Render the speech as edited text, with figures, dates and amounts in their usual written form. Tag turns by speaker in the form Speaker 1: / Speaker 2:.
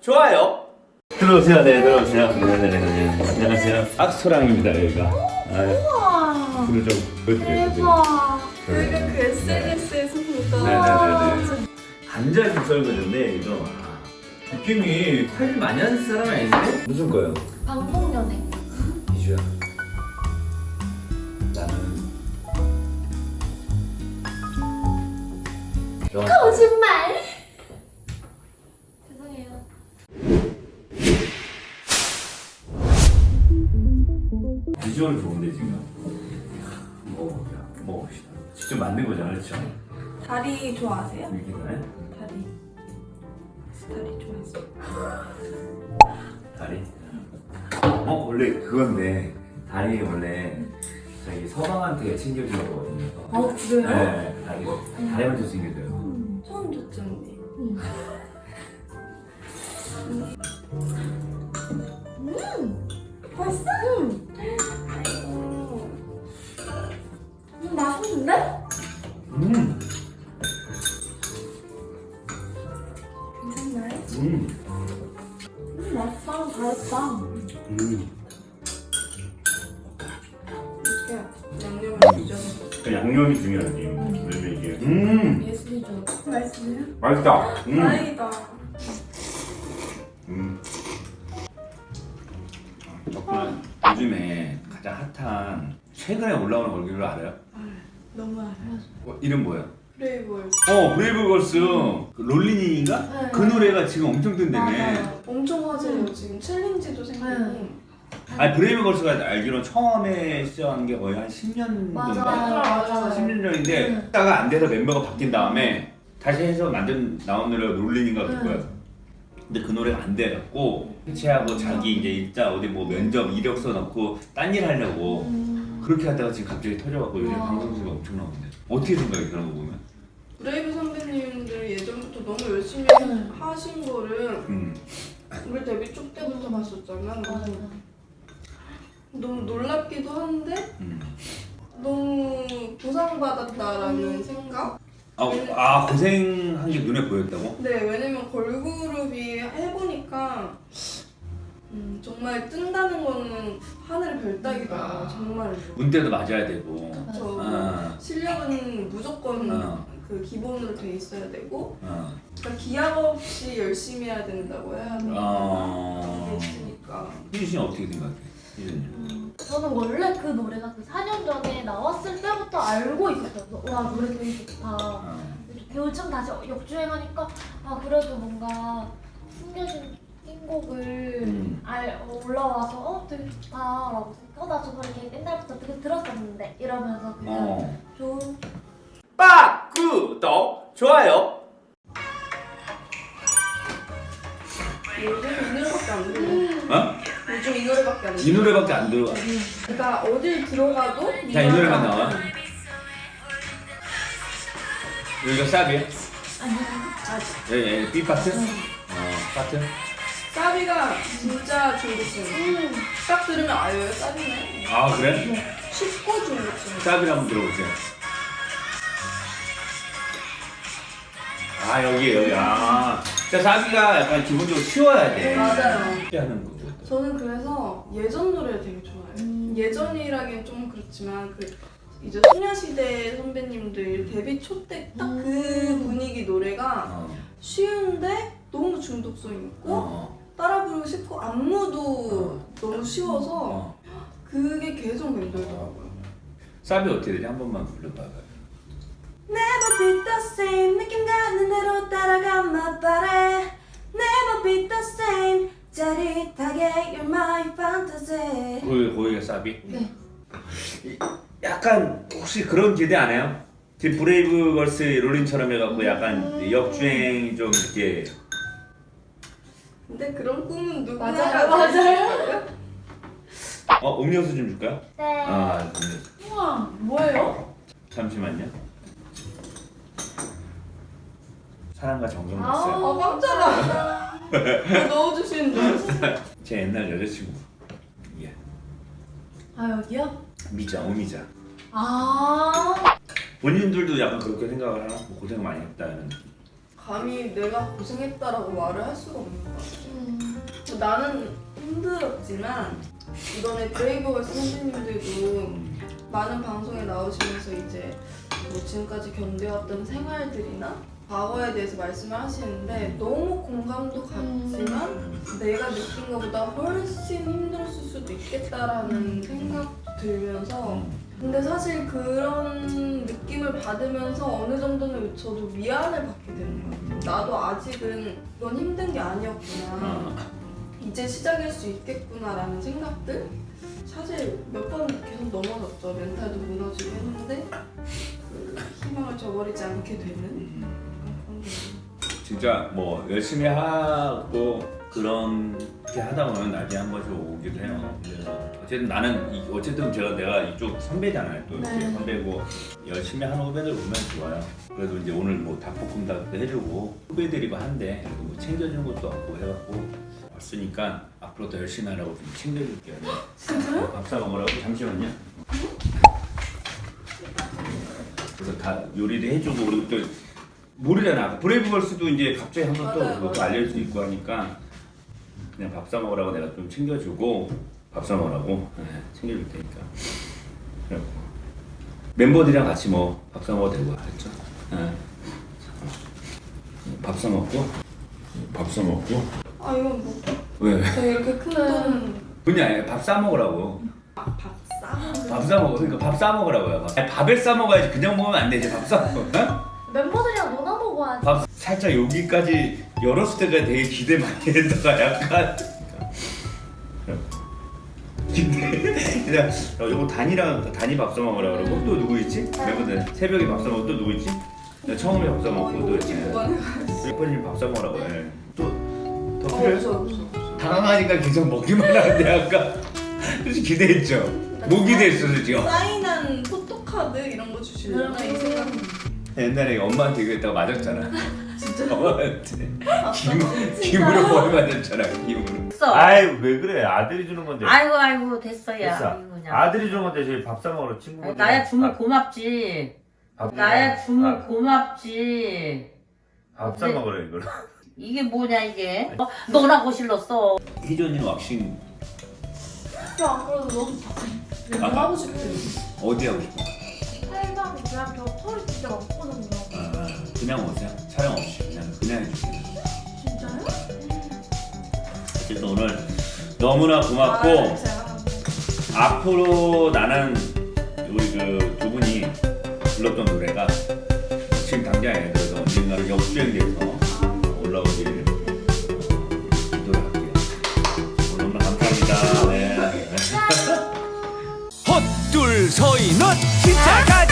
Speaker 1: 좋아요. 들어오세요. 네, 들어오세요. 네네네. 안녕하세요. 악소랑입니다, 여기가.
Speaker 2: 우와.
Speaker 1: 불을 좀 보여드려요.
Speaker 2: 대박.
Speaker 1: 네.
Speaker 2: 여기가 그 SNS에서 보던.
Speaker 1: 네네네네. 감자 좀 썰거든데 이거 느낌이 관리 많이 하는 사람 아닌데? 무슨 거요?
Speaker 2: 방송연애.
Speaker 1: 이주야. 나는
Speaker 2: 거짓말. 죄송해요.
Speaker 1: 비주얼 좋은데 지금. 먹어봅시다. 직접 만든 거잖아, 그렇죠?
Speaker 2: 다리 좋아하세요?
Speaker 1: 여기네.
Speaker 2: 다리 좋아하세요?
Speaker 1: 다리. 원래 그건데 다리 원래 저기 서방한테 챙겨주는 거거든요.
Speaker 2: 그래요?
Speaker 1: 네, 다리만 좀 챙겨줘요.
Speaker 2: 처음 듣는데. 벌써? 맛있는데? 괜찮나요? 맛있다. 잘했다. 이렇게 양념을 뒤져서
Speaker 1: 그 양념이 중요하지. 왜냐면 이게
Speaker 2: 예술이죠. 맛있어요?
Speaker 1: 맛있다.
Speaker 2: 다행이다.
Speaker 1: 덕분에 요즘에 가장 핫한 최근에 올라오는 걸그룹 알아요?
Speaker 2: 너무 알아요.
Speaker 1: 이름 뭐예요?
Speaker 2: 브레이브걸스.
Speaker 1: 브레이브걸스 그 롤리nin인가?
Speaker 2: 네.
Speaker 1: 그 노래가 지금 엄청 뜬다며.
Speaker 2: 맞아요. 엄청 화제예요. 지금 챌린지도 생기고.
Speaker 1: 아니 브레이브걸스가 알기로는 처음에 시작한 게 거의 한 10년
Speaker 2: 맞아요.
Speaker 1: 전인가?
Speaker 2: 맞아요.
Speaker 1: 10년 전인데 하다가 안 돼서 멤버가 바뀐 다음에 다시 해서 나온 노래가 롤리nin가 그럴 거야. 근데 그 노래가 안 돼갖고 해체하고 자기 이제 일자 어디 뭐 면접 이력서 넣고 딴 일 하려고 그렇게 하다가 지금 갑자기 터져갖고 요즘 방송국에 엄청 나오는데 어떻게 생각해 그런 거 보면?
Speaker 2: 브레이브 선배님들 예전부터 너무 열심히 하신 거를 우리 데뷔 초 때부터 봤었잖아. 너무 놀랍기도 한데 너무 보상받았다라는 생각?
Speaker 1: 고생한 게 눈에 보였다고?
Speaker 2: 네, 왜냐면 걸그룹이 해보니까 정말 뜬다는 거는 하늘의 별따기다. 정말로.
Speaker 1: 문대도 맞아야 되고
Speaker 2: 저 실력은 무조건 그 기본으로 돼 있어야 되고 그러니까 기약 없이 열심히 해야 된다고 해야 되니까 그게 있으니까.
Speaker 1: 희준 씨는 어떻게 생각해? 희준님.
Speaker 3: 저는 원래 그 노래가 그 4년 전에 나왔을 때부터 알고 있었어요. 와 노래 되게 좋다. 요즘 다시 역주행하니까 그래도 뭔가 숨겨진 띵곡을 올라와서 되게 좋다라고 생각하다 저도 이렇게 옛날부터 되게 들었었는데 이러면서 그냥 좋은
Speaker 1: 구독, 좋아요.
Speaker 2: 요즘 이 노래밖에 안 들려. 요즘 이 노래밖에 안 들려.
Speaker 1: 이 노래밖에 안 들어가.
Speaker 2: 그러니까 어딜 들어가도
Speaker 1: 자, 이 노래만 나와. 여기가 샵이야?
Speaker 2: 아직.
Speaker 1: B 파트? 파트?
Speaker 2: 사비가 진짜 중독성. 딱 들으면 아유 사비네.
Speaker 1: 그래?
Speaker 2: 쉽고 중독성.
Speaker 1: 샵이를 한번 들어보세요. 여기. 자, 샵이가 약간 기본적으로 쉬워야 돼.
Speaker 2: 맞아요.
Speaker 1: 쉽게 하는 거죠.
Speaker 2: 저는 그래서 예전 노래를 되게 좋아해요. 예전이라기엔 좀 그렇지만 이제 소녀시대 선배님들 데뷔 초 때 딱 그 분위기 노래가 쉬운데 너무 중독성 있고 따라 부르고 싶고 안무도 너무 쉬워서 그게 계속 맴돌더라고요.
Speaker 1: 샵이 어떻게 되지? 한 번만 불러봐봐요.
Speaker 2: Never be the same 느낌 가는 대로 따라가마 바래 Never be the same 짜릿하게 You're my fantasy.
Speaker 1: 거기가 샵이?
Speaker 3: 네.
Speaker 1: 약간 혹시 그런 기대 안 해요? 지금 브레이브걸스 롤린처럼 해갖고 약간 역주행 좀 이렇게.
Speaker 2: 근데 그런 꿈은 누구나
Speaker 3: 맞아요.
Speaker 1: 음료수 좀 줄까요?
Speaker 3: 네.
Speaker 1: 음료수.
Speaker 3: 우와 뭐예요?
Speaker 1: 잠시만요. 사랑과 정성 났어요.
Speaker 2: 깜짝아. 넣어주시는 줄 알았어.
Speaker 1: 제 옛날 여자친구. 예.
Speaker 3: 여기요?
Speaker 1: 미자, 오미자.
Speaker 3: 아
Speaker 1: 본인들도 약간 그렇게 생각을 하나? 뭐 고생 많이 했다는 느낌.
Speaker 2: 감히 내가 고생했다라고 말을 할 수가 없는 것 같아. 나는 힘들었지만 이번에 브레이브걸스 선배님들도 많은 방송에 나오시면서 이제 뭐 지금까지 견뎌왔던 생활들이나 과거에 대해서 말씀을 하시는데 너무 공감도 갔지만 내가 느낀 것보다 훨씬 힘들었을 수도 있겠다라는 생각도 들면서 근데 사실 그런 느낌을 받으면서 어느 정도는 저도 위안을 받게 되는 것 같아요. 나도 아직은 이건 힘든 게 아니었구나. 이제 시작일 수 있겠구나라는 생각들? 사실 몇 번 계속 넘어졌죠. 멘탈도 무너지고 했는데 그 희망을 저버리지 않게 되는 그런 게
Speaker 1: 진짜 뭐 열심히 하고 그렇게 하다 보면 나중에 한 번씩 오기도 해요. 그래서 어쨌든 나는 어쨌든 내가 이쪽 선배잖아요. 또 이렇게
Speaker 2: 네.
Speaker 1: 선배고 열심히 하는 후배들 보면 좋아요. 그래도 이제 오늘 뭐 닭볶음탕도 해주고 후배들이고 한데 그래도 뭐 챙겨주는 것도 없고 해갖고 왔으니까 앞으로 더 열심히 하라고 좀 챙겨줄게요.
Speaker 2: 진짜요?
Speaker 1: 밥 사 먹으라고 잠시만요. 그래서 다 요리도 해주고 그리고 또 모르잖아. 브레이브걸스도 이제 갑자기 한번 또
Speaker 2: 맞아요,
Speaker 1: 그것도
Speaker 2: 맞아요.
Speaker 1: 알릴 수 있고 하니까 그냥 밥 사 먹으라고 내가 좀 챙겨주고 밥 사 먹으라고 챙겨줄 테니까. 그래갖고 멤버들이랑 같이 뭐 밥 사 먹어도 되고 알겠죠? 밥 사 먹고 밥 사 먹고
Speaker 2: 아 이건 뭐
Speaker 1: 왜?
Speaker 2: 제가 이렇게 큰 돈
Speaker 1: 그냥 밥 싸 먹으라고.
Speaker 2: 밥 싸?
Speaker 1: 밥 싸 먹어. 그러니까 밥 싸 먹으라고요. 아니, 밥을 싸 먹어야지. 그냥 먹으면 안 되지. 밥 싸 먹어. 어?
Speaker 3: 멤버들이랑 놀아 먹어야지.
Speaker 1: 밥 살짝 여기까지 열었을 때가 되게 기대 많이 했다가 약간. 근데 그냥 요거 단이 밥 싸 먹으라 그러고 또 누구 있지? 멤버들 새벽에 밥 싸 먹고 또 누구 있지? 나 처음에 밥 싸 먹고 또
Speaker 2: 이거
Speaker 1: 있지.
Speaker 2: 보관해가지고
Speaker 1: 리퍼님 밥 싸 먹으라고 해. 또더
Speaker 2: 없어
Speaker 1: 필요해?
Speaker 2: 없어
Speaker 1: 당황하니까 계속 먹기만 하는데 아까 솔직히 기대했죠. 뭐 기대했어 솔직히.
Speaker 2: 사인한 포토카드 이런 거 주시려나 이 생각
Speaker 1: 옛날에 엄마한테 이거 했다가 맞았잖아.
Speaker 2: 진짜
Speaker 1: 엄마한테 김으로 벌 맞았잖아. 김으로.
Speaker 4: 됐어.
Speaker 5: 아이 왜 그래? 아들이 주는 건데.
Speaker 4: 아이고 됐어 야.
Speaker 5: 됐어.
Speaker 4: 아이고, 그냥.
Speaker 5: 아들이 주는 건데 저희 밥 사 먹으러 친구들.
Speaker 4: 나야 주문 고맙지. 나야 주문 고맙지.
Speaker 5: 밥 사 먹으러 이걸.
Speaker 4: 이게 뭐냐 이게? 너라고 실렀어.
Speaker 1: 희전이는 왁싱
Speaker 2: 야 그래도 너도 내가
Speaker 1: 아.
Speaker 2: 하고 싶대
Speaker 1: 어디 하고 싶어?
Speaker 3: 살방 그냥 저 털이 진짜 많거든요.
Speaker 1: 그냥 오세요. 촬영 없이 그냥 해줄게.
Speaker 3: 진짜요?
Speaker 1: 어쨌든 오늘 너무나 고맙고 앞으로 나는 우리 그 두 분이 불렀던 노래가 지금 당장에 그래서 언젠가는 역주행돼서 올라오길 기도를 할게요. 오늘 너무 감사합니다. 네.
Speaker 6: 헛둘 서인은 진짜 갈